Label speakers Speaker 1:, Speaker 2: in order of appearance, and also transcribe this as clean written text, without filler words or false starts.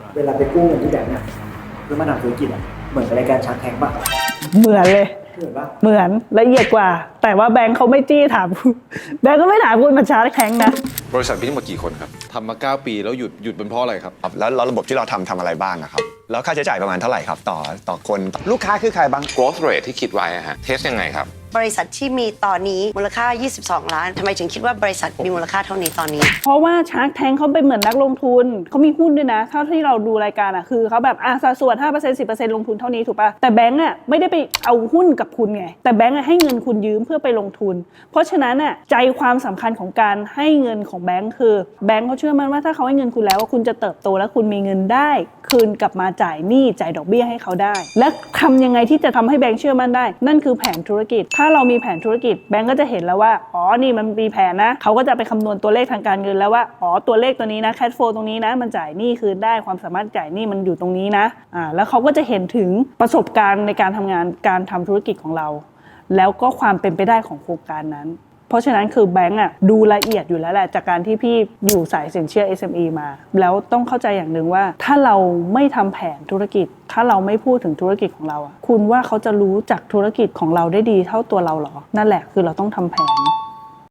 Speaker 1: เวลาไปกู้เงินที่แบงก์เนี่ยเพื่อมาทำธุรกิจอ่ะเหมือนรายการชาร์กแทงป่ะ
Speaker 2: เหมือนเลย
Speaker 1: เหมือนป่ะ
Speaker 2: เหมือนละเอียดกว่า แต่ว่าแบงค์เขาไม่จี้ถามคุณแบงค์ก็ไม่ถามคุณมาชาร์จแทงนะ
Speaker 3: บริษัทพี่ทั้งหมดกี่คนครับทำมา9 ปีแล้วหยุดเป็นเพราะอะไรครับ
Speaker 4: แล้วระบบที่เราทำอะไรบ้างอะครับแล้วค่าใช้จ่ายประมาณเท่าไหร่ครับต่อคนลูกค้าคือใครบ้าง
Speaker 3: growth rate ที่คิดไว้อะฮะเทสยังไงครับ
Speaker 5: บริษัทที่มีตอนนี้มูลค่า22 ล้านทำไมถึงคิดว่าบริษัทมีมูลค่าเท่านี้ตอนนี้
Speaker 2: เพราะว่าชาร์กแทงเขาเป็นเหมือนนักลงทุนเขามีหุ้นด้วยนะเท่าที่เราดูรายการอ่ะคือเขาแบบสัดส่วน 5% 10% ลงทุนเท่านี้ถูกป่ะแต่แบงก์อ่ะไม่ได้ไปเอาหุ้นกับคุณไงแต่แบงก์ให้เงินคุณยืมเพื่อไปลงทุนเพราะฉะนั้นอ่ะใจความสำคัญของการให้เงินของแบงก์คือแบงก์เขาเชื่อมั่นว่าถ้าเขาให้เงินคุณแล้วว่าคุณจะเติบโตและคุณมีเงินได้คืนกลับมาจ่ายหนี้จ่ายดอกเบี้ยให้เขาได้และทำยังไงที่จะทำให้แบงก์เชื่อมั่นได้นั่นคือแผนธุรกิจถ้าเรามีแผนธุรกิจแบงก์ก็จะเห็นแล้วว่านี่มันมีแผนนะเขาก็จะไปคำนวณตัวเลขทางการเงินแล้วว่าตัวเลขตัวนี้นะแคชโฟลว์ตรงนี้นะมันจ่ายหนี้คืนได้ความสามารถจ่ายหนี้มันอยู่ตรงนี้นะแล้วเขาก็จะเห็นถึงประสบการณ์ในการทำงานการทำธุรกิจของเราแล้วก็ความเป็นไปได้ของโครงการนั้นเพราะฉะนั้นคือแบงก์ดูละเอียดอยู่แล้วแหละจากการที่พี่อยู่สายสินเชื่อ SME มาแล้วต้องเข้าใจอย่างหนึ่งว่าถ้าเราไม่ทำแผนธุรกิจถ้าเราไม่พูดถึงธุรกิจของเราคุณว่าเขาจะรู้จักธุรกิจของเราได้ดีเท่าตัวเราหรอนั่นแหละคือเราต้องทำแผน